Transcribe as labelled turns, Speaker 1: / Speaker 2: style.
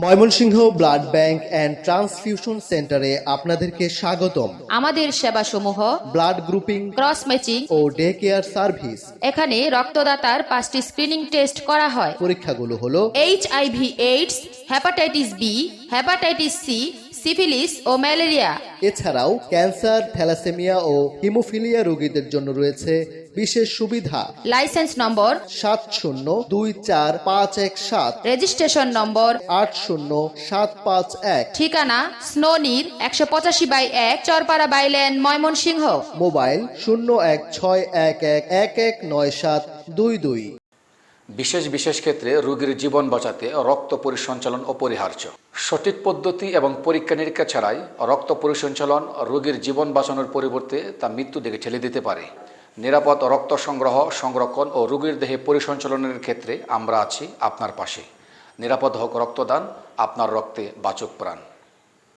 Speaker 1: Mymensingh blood bank and transfusion সেন্টারে আপনাদেরকে স্বাগতম।
Speaker 2: আমাদের সেবাসমূহ
Speaker 1: ব্লাড গ্রুপিং,
Speaker 2: ক্রস ম্যাচিং
Speaker 1: ও ডে কেয়ার সার্ভিস।
Speaker 2: এখানে রক্তদাতার 5টি স্ক্রিনিং টেস্ট করা হয়।
Speaker 1: পরীক্ষাগুলো হলো
Speaker 2: HIV AIDS, hepatitis B, hepatitis C, syphilis ও ম্যালেরিয়া।
Speaker 1: এছাড়াও ক্যান্সার, থ্যালাসেমিয়া ও হিমোফিলিয়া রোগীদের জন্য রয়েছে বিশেষ সুবিধা।
Speaker 2: লাইসেন্স নম্বর
Speaker 1: 70245117,
Speaker 2: রেজিস্ট্রেশন নম্বর
Speaker 1: 80751,
Speaker 2: ঠিকানা স্নোনির 185/1 চরপাড়া বাইলেন, ময়মনসিংহ।
Speaker 1: মোবাইল 0161119722।
Speaker 3: বিশেষ বিশেষ ক্ষেত্রে রোগীর জীবন বাঁচাতে রক্ত পরিসঞ্চালন অপরিহার্য। সঠিক পদ্ধতি এবং পরীক্ষা নিরীক্ষা ছাড়াই রক্ত পরিসঞ্চালন রোগীর জীবন বাঁচানোর পরিবর্তে তা মৃত্যু দিকে ঠেলে দিতে পারে। নিরাপদ রক্ত সংগ্রহ, সংরক্ষণ ও রোগীর দেহে পরিসঞ্চালনের ক্ষেত্রে আমরা আছি আপনার পাশে। নিরাপদ হোক রক্তদান, আপনার রক্তে বাঁচুক প্রাণ।